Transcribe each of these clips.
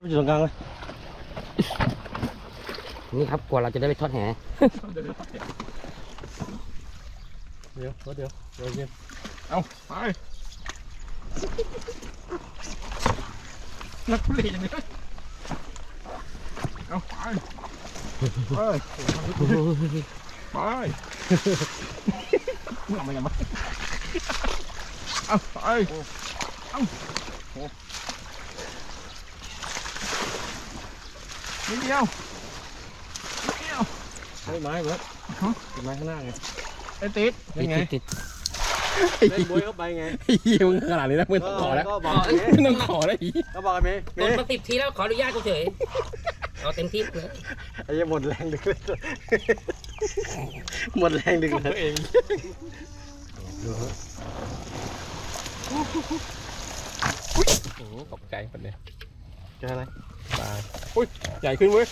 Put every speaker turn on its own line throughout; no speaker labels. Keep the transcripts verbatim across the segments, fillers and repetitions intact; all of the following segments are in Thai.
อยู่ตรงกลางเลย
นี่ครับกว่าเราจะได้ไปทอดแห
เดี๋ยวเดี๋ยวเดี๋ยวเย็นเอาไปนักเล่นอย่างนี้เอาไปไปไปมึงเอามาอย่างไรเอาไปเอานิดเดียวนิดเดียวไม้ไม้เบิร์ดไม้ข้างหน้าไงไอ้ติดยังไง
ติด
เล่นบวยเข้าไปไงมึงขนาดนี้นะมึงต้องขอแล้วมึงต้องขอแล้วอีก็บอกไอ้เมย์
กดมาสิบทีแล้วขออนุญาตกูเฉยเอาเต็มที่เลย
ไอ้ยังหมดแรงดึกเลยหมดแรงดึกเลยเองโอ้โหตกใจคนเนี้ยเจออะไรปลาอุ้ยใหญ่ขึ้นเว้ย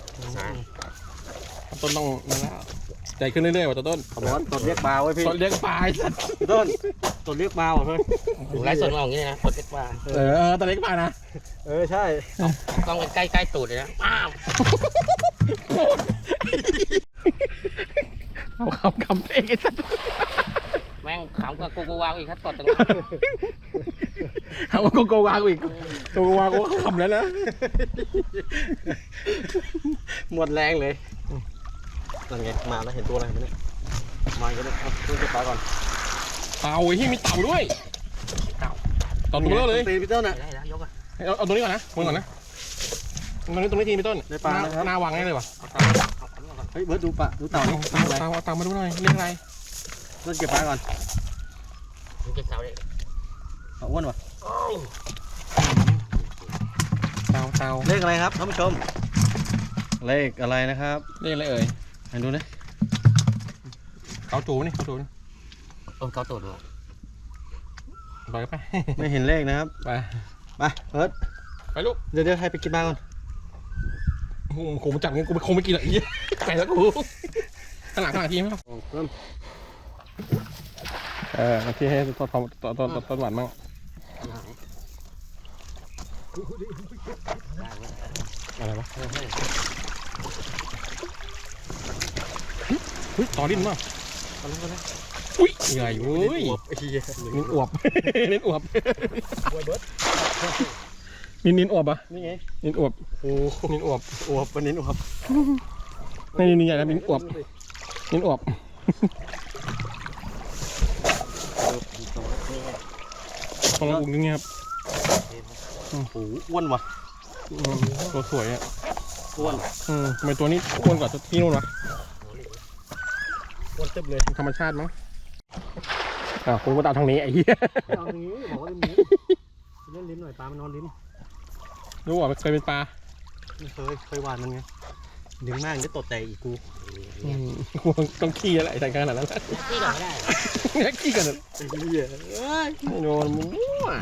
ต้นต้องนั่นแล้วใหญ่ขึ้นเรื่อยๆว่ะต้นขบวนต้นเรียกปลาไว้พี่ต้นเรียกปลาสัตว์ต้นต้นเรียกปลาว่ะเพื่อน
ไล่ส่วนมองอย่างนี้นะต้นเรียกปลา
เออต้นเรียกปลานะเออใช่
ต้องใกล้ใกล้ตูดเลยนะอ้าว
เอาคำคำเองไอ้สัตว์
แม่งขำกับกูกูวางอีกครับตอนตรง
นี้เอาโกโกวางอีกโกโกวางกูขำแล้วนะหมดแรงเลยนั่นไงมาแล้วเห็นตัวอะไรไหมเนี่ยมาอีกแล้วเอาตัวเก็บปลาก่อนเต่าที่มีเต่าด้วยเต่าเต่าตัวเบลอเลยตีพี่ต้นอ่ะเอาเอาตรงนี้ก่อนนะมึงก่อนนะตรงนี้ตรงนี้ทีพี่ต้นในปลาหน้าวางง่ายเลยวะเฮ้ยเบิร์ดดูปลาดูเต่านี่เต่าเต่าเอาเต่ามาดูหน่อยเรียกอะไรต้นเก็บปลาก่อน
เก็บเต่าเลย
เอาอ้วนวะเต่าเต่าเลขอะไรครับท่านผู้ชมเลขอะไรนะครับเลขอะไรเอ่ยให้ดูนะเกาจูนี่เกาจูนี่
เออเกาตูดดู
ไปไปไม่เห็นเลขนะครับไปไปเอิร์ดไปลูกเดี๋ยวเดี๋ยวให้ไปกินบ้างก่อนคงมาจับงั้นกูคงไม่กินหรอกอีไปแล้วกูขนาดขนาดทีมั้งเออที่ให้ต้นต้นต้นต้นต้นหวานมั่งอะไรวะเฮ้ยต่อลิ้นมั้งอุ้ยใหญ่เว้ยนิ้นอวบนิ้นอวบนิ้นนิ้นอวบอ่ะนี่ไงนิ้นอวบโอ้นิ้นอวบอวบเป็นนิ้นอวบนี่นิ้นใหญ่แล้วนิ้นอวบนิ้นอวบพอเราอุ้งอย่างเงี้ยครับโอ้โหอ้วนว่ะตัวสวยอ่ะอ้วนอืมทำไมตัวนี้อ้วนกว่าที่นู่นวะอ้วนเต็มเลยธรรมชาติมั้งอ่าคุณก็ตามทางนี้ไอ้เหี้ยตามทางนี้บอกว่าเล่นลิ้นเล่นลิ้นหน่อยปลามันนอนลิ้นรู้ว่าเคยเป็นปลาเคยเคยหวานมันไงดึงมากจะตดแต่อีกกูกูต้องขี้อะไรแต่ขนาดนั้น
ขี้ก่อนไม่ได้
เนี่ยขี้กันไอ้เหี้ยไม่โดนมึงมั่ว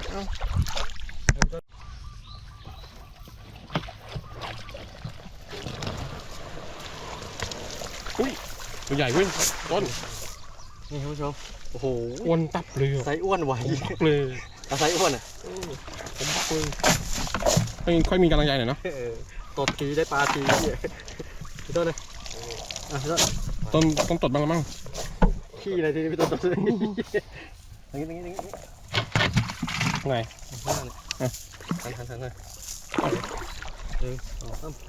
อุ้ยตัวใหญ่เว้ยต้นนี่ท่านผู้ชมโอ้โหอ้วนตับเลยไซอ้วนไหวเลยแต่ไซอ้วนอ่ะผมบักเลยไม่ค่อยมีกำลังใจหน่อยเนาะตดทีได้ปลาทีพี่ต้นเลยต้นต้องตดบ้างละมั้งขี้อะไรทีนี้พี่ต้นตดอย่างนี้อย่างนี้อย่างนี้ไงหันหันหันเลยหนึ่งสองสาม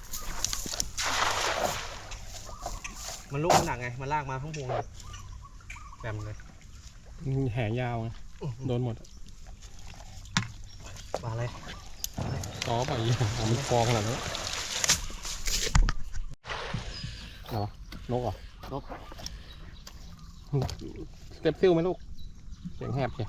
มันลูกมันหนักไงมันลากมาข้างพวงเลยแบมเลยแหยาวไงโดนหมดปลาอะไรต่อไปมันฟองขนาดนี้อะไรวะนกเหรอนกสเต็ปซิลไหมลูกเสียงแหบใช่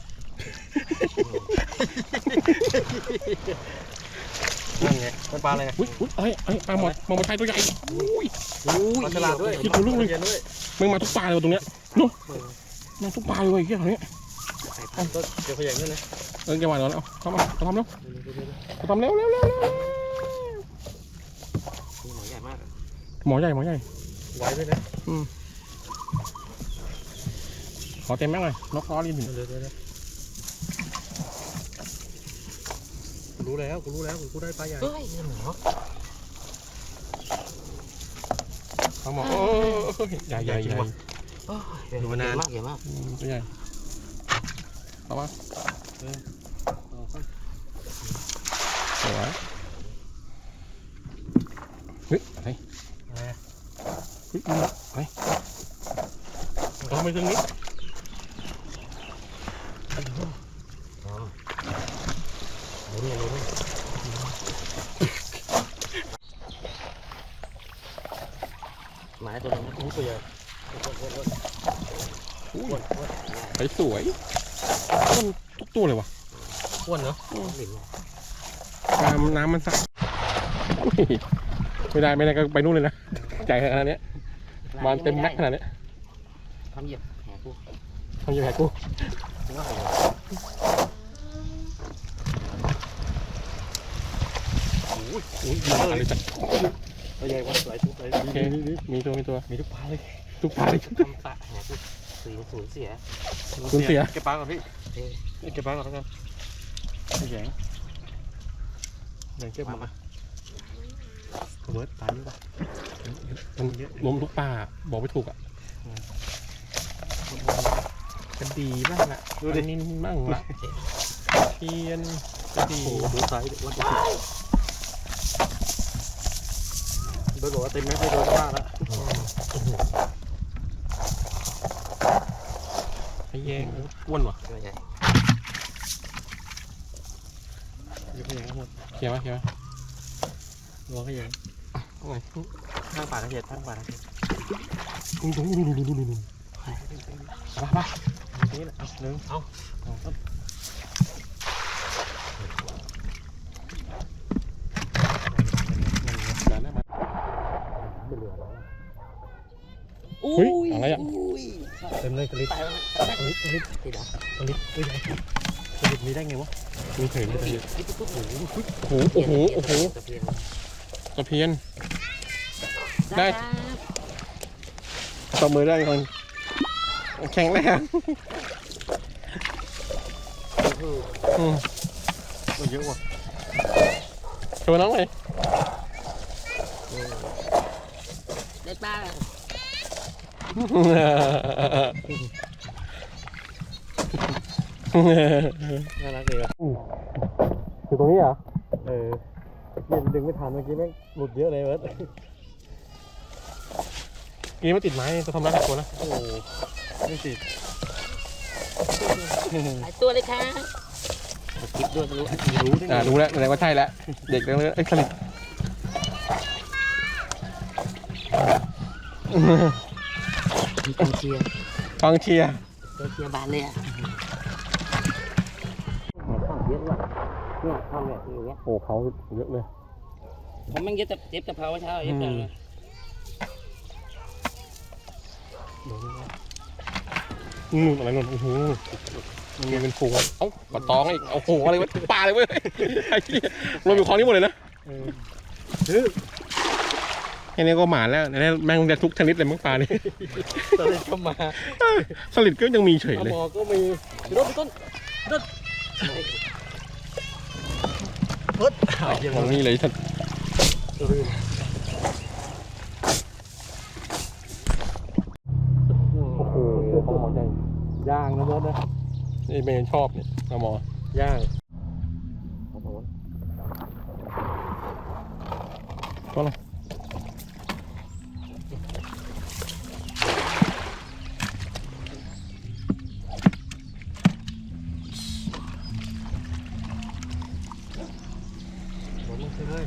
นั่นไงมันปลาอะไรอุ้ยอุ้ยเอ้ยเอ้ยปลาหมดมองมาไทยตัวใหญ่อุ้ยอุ้ยฉลาดด้วยคิดดูลูกเลยมึงมาทุกปลาเลยตรงเนี้ยนู้มาทุกปลาเลยเกี่ยอะไรเนี้ยเดี๋ยวขยันด้วยนะเออแกวางแล้วเอาทำเอาทำเร็วทำเร็วเร็วเร็วเร็วหมอใหญ่มากหมอใหญ่หมอใหญ่ไวด้วยนะอืมขอเต็มแม็กเลยนกล้อลิ้นดูรู้แล้วกูรู้แล้วกูได้ปลาใหญ่
เฮ้ยเหรอ
เอาหมอโอ้ใหญ่ใหญ่ใหญ่
ดูมานานมากใหญ่มาก
ตัวใหญ่เอาวะเออสวยเฮ้ยอะไรเฮ้ยอะไรเอาไปตรงนี้
อ๋อรู้เนี่ยรู้เนี่ยหมายตัวนี้ตัวใหญ่
ไปสวยต้นทุกตัวเลยวะ
อ้วนเนาะหลิน
น้ำน้ำมันใสไม่ได้ไม่ได้ก็ไปนู่นเลยนะใหญ่ขนาดนี้มันเต็มแม็กขนาดนี้
ทำเหยียบแหกู
ทำยังไงกูโอ้ยโอ้ยมาเลยจ้ะ
ตัวใหญ่วะหลายตัวเลย
โอเคมีตัวมีตัว
มีทุกปลาเลย
ทุกปลาเลย
ทำปลาแหกูสูญสูญเสีย
คุณเสีย
เก็บปลาก่อนพี่
เอ้ย
เก็บปลาก่อนแล้วกันไม่แข็ง
แบ่งเก็บมา
เบิร์ดปลาเยอะป่ะ
มันล้มทุกปลาบอกไม่ถูกอ่ะกระดีบ้างละดูดินินบ้างละเทียนกระดี
โอ้โหดูไซส์วันที่เบิร์ดบอกว่าเต็มแม็กซ์ไปโดนมากแล้ว
ไอ้แยงอ้วนวะ
ตัวใหญ่
ยกขยงทั้งหมด
เขียวไหมเขียวไหม
รวงขยง
อะไร
ข้างป่าตะเกียบข้างป่าตะเกียบ
ดูดูดูดูดูดูดูมาปะ
นี่แหละเอาหนึ่ง
เอา
สองสาม
เดี๋ยวนะมา
ไม่เหลือแล้ว
เฮ้ยอะไรอ่ะ
เต็มเลยกระลิบ
ตายแล้ว
กระลิบกระลิบ
ติดเหรอก
ระลิบตัวใหญ่กระลิบมีได้ไงวะ
มีเฉยเลย
ติดปุ๊บปุ๊บโอ้โห
โอ้โหโอ้โหโอ้โห
ตะเพียน
ตะเพียนได้ตบมือได้คนแข็งแรง อืม
มันเยอะว่ะ
โชว์น้องเลย
ได้ปลา
น่ารักเลยว่ะ
อยู่ตรงนี้เหรอ
เออเย็นดึงไม่ทันเมื่อกี้แม่งหลุดเยอะเลยเบิร์ด
กี้มันติดไม้จะทำร้ายหลายคนนะ
โอ้โหไม่ติด
หลายตัวเลยค่ะคลิปด้วยไม่รู้รู้ได้ไง
อ่ารู้แล้วแสดงว่าใช่แล้วเด็กเรื่องเอ้ยสลิด
มีกองเชียร์
กองเชียร์
กองเชียร์บานเลยอ่ะข้าวเยอะว่ะเนี่ยข้าวแบบอย่างเงี้ย
โอ้เขาเยอะเลย
ผมแม่งเย็บแต่เย็บแต่เผาเช้าเย็บแต่
อืมอะไรนนโอ้โหมันเป็นฝูงเอ้าปลาตองอีกโอ้โหอะไรวะปลาเลยเว้ยไอ้เหี้ยรวมอยู่คลองนี้หมดเลยนะ แค่นี้ก็หมาแล้วนี่แม่งจะทุกชนิดเลยมั้งปลานี่
ตอนนี้ก็มา
สลิดก็ยังมีเฉย
เอา
เลย
หมอก็มีพี่ต้นพี่ต้นพี่ต้นเบิร์ดหายเยี่ยม
ของ
เลย
นี่เลยท่านโอ้โหปลาหมอใหญ่
ย่างนะเบิร์ดนะ
นี่เมนชอบเนี่ยปลาหมอย่าง
โอ้โห
ก็เลย
หมดมันเลย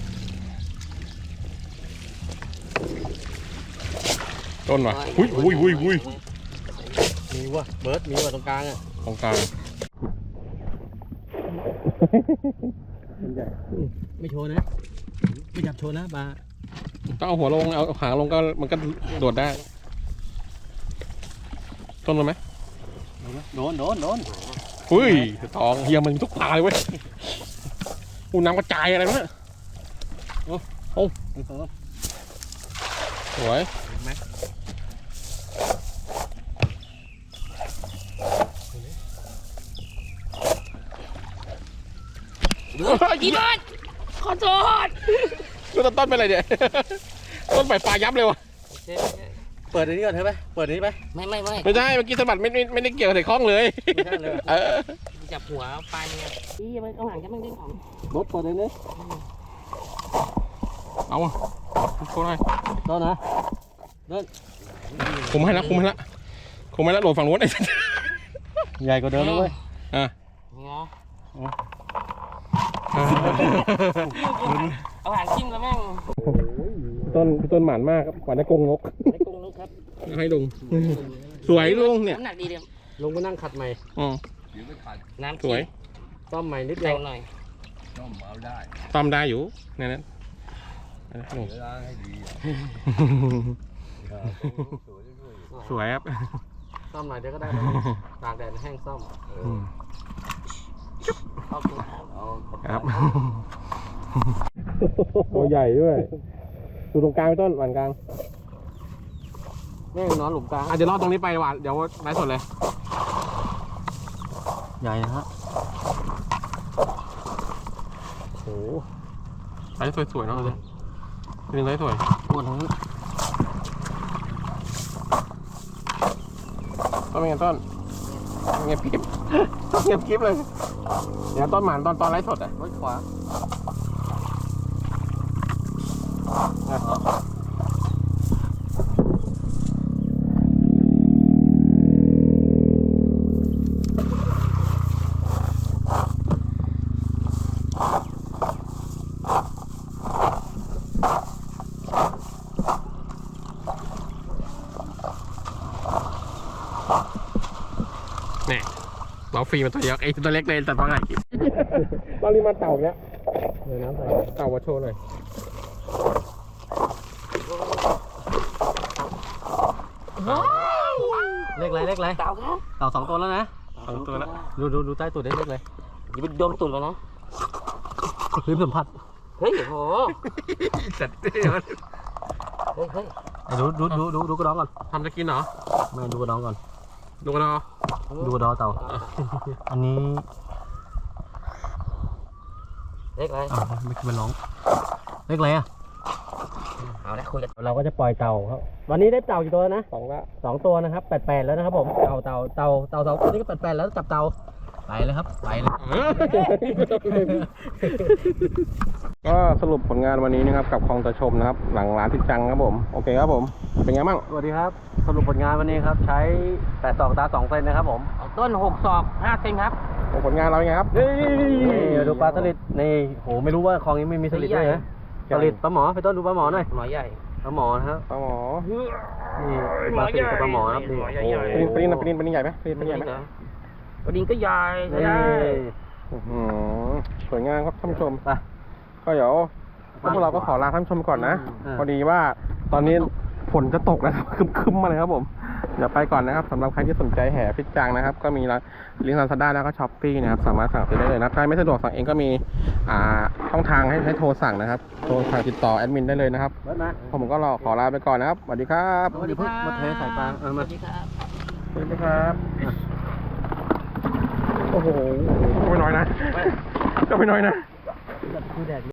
ต้นว่ะอุ้ยอุ้ยอุ้ยอุ้ย
มีว่ะเบิร์ดมีว่ะตรงกลางอ่ะ
ตรงกลาง
มันใหญ่ไม่โชว์นะไม่จับโชว์นะปลา
ต้องเอาหัวลงเอาหางลงก็มันก็โดดได้ต้นมันไหม
โดนโดนโดน
อุ้ยตองเฮียมันมีทุกปลาเลยเว้ยอูน้ำกระจายอะไรวะเนี่ย
หนึ่งสอง
สวย
เห็นไหมอีบอสขอโทษ
ดูต้นต้นเป็นอะไรเนี่ย ต้นใบปลายับเลยวะ
เปิดอันนี้ก่อนใช่ไหมเปิดอันนี้ไหม
ไม่ไม่ไม่
ไม่ใช่เมื่อกี้สะบัดไม่ไม่ไม่ได้เกี่ยวกับใส่คล้องเลย
ไม่ใช่เลย
เออ
จับหัวปลายมึงอ่ะอีมันเอาหางจะมันดึงออก
รถเปิดอันนี้
เอาอ่ะโค้งให้
ต้นนะ
คุมให้ละคุมให้ละคุมให้ละโหลดฝั่งนู้นไอ้
ใหญ่กว่าเดิมเลยเว้ย
อ่ะ
เนาะ
อ่ะ
เอาหางจิ้มแล้วแม่ง
ต้นต้นหมานมากครับหวานในกรงนก
ไอ้กงนกครับ
ให้ลุงสวยลุงเนี่ย
น้ำหนักดีเดียว
ลงมานั่งขัดใหม่
อ๋อ
น้ำ
สวย
ต้อมใหม่นิดเดี
แร
ยว
งหน่อย
ตามได้อยู่ในนั้นลุงสวยครับ
ซ่อมหน่อยเดี๋ยวก็ได้ตากแดดแห้งซ่อม
ขอบคุณ
ครับตัวใหญ่ด้วยดูตรงกลางไปต้นหวานกลาง
แม่งนอนหลุมกลาง
อ่ะเดี๋ยวรอตรงนี้ไปหวานเดี๋ยวไลฟ์สดเลย
ใหญ่นะฮะ
โอ้ไลฟ์สวยๆเนาะเลยเป็นไลฟ์สวย
อ้วนทั้งนั้น
ต้นเป็นไงต้นเงียบคลิปเงียบคลิปเลยเดี๋ยวต้นหมานตอนตอนไลฟ์สดอ่ะ
รถขวา
เนี่ยเราฟรีมาตัวเดียวไอ้ตัวเล็กเลยแต่ตอนไหนคลิปตอนนี้มาเต่าเนี้ย
เดี๋ยวน้ำใส่
เต่ามาโชว์หน่อย
เล็กไรเล็กไร
เต่าครับ
เต่าสองตัวแล้วนะ
สองตัวละ
ดูดูดูใต้ตัวเล็กเล็กเลย
อย่าไปโดนตุ่นมันนะ
พื้นสัมผัส
เฮ้ยโห
จัด
เฮ้ยเฮ้ย
ไอ้ดูดูดูดูดูกระดองก่อน
ทำจะกินเหรอ
ไม่ดูกระดองก่อน
ดูกันเนาะ
ดูกระดองเต่า อันนี้
เล็กอะไร
อ่าไม่คิดมันร้องเล็กไรอ่ะ
เอาละคุยกัน
เราก็จะปล่อยเต่าครับวันนี้ได้เต่ากี่ตัวนะ
สองละ
สองตัวนะครับแปดแปดแล้วนะครับผมเต่าเต่าเต่าเต่าสองตัวนี้ก็แปดแปดแล้วจับเต่าไปเลยครับไปเลย
ก็สรุปผลงานวันนี้นะครับกับคลองตะชมนะครับหลังร้านทิศจังครับผมโอเคครับผมเป็นไงบ้าง
สวัสดีครับสรุปผลงานวันนี้ครับใช้แปดศอกตาสองเซนนะครับผม
เอาต้นหกศอกห้าเซนครับ
ผลงานเราเป็นไงครับ
นี่ดูปลาสลิดนี่โหไม่รู้ว่าคลองนี้ไม่มีสลิดด้วยนะสลิดปลาหมอไปต้นดูปลาหมอหน่อย
หมอใหญ่
ปลาหมอนะครับ
ปลาหมอ
นี่ปลาสลิดกับปลาหมอครับนี่
ปลินปลินปลินปลินใหญ่ไหมปลินปลินใหญ่ไหม
วันนี้ก็ใหญ่ใช้
นี่
ได้
อื้อหือสวยงามครับท่านผู้ชม
ไป
ก็เดี๋ยวพวกเราก็ขอลาท่านผู้ชมก่อนนะ
อ่า
พอดีว่าตอนนี้ฝนจะตกนะครับ คึมๆมาเลยครับผมเดี๋ยวไปก่อนนะครับสำหรับใครที่สนใจแห่พิจจังนะครับ ก็มีลิงก์ลาซาด้าแล้วก็ช้อปปี้นะครับสามารถสั่งซื้อได้เลยนะใครไม่สะดวกสั่งเองก็มีอ่าช่องทางให้ให้โทรสั่งนะครับโทรสั่งติดต่อแอดมินได้เลยนะครับ
เบิร์ดมา
ผมก็รอขอลาไปก่อนนะครับสวัสดีครับ
เดี๋ยวเพิ่งมาเทใส่ปลาเออ
ส
มา
วัสดีครับ
สวัสดีครับโอ้โหก็ไม่น้อยนะก็ไม่น้อยนะ
คือแดด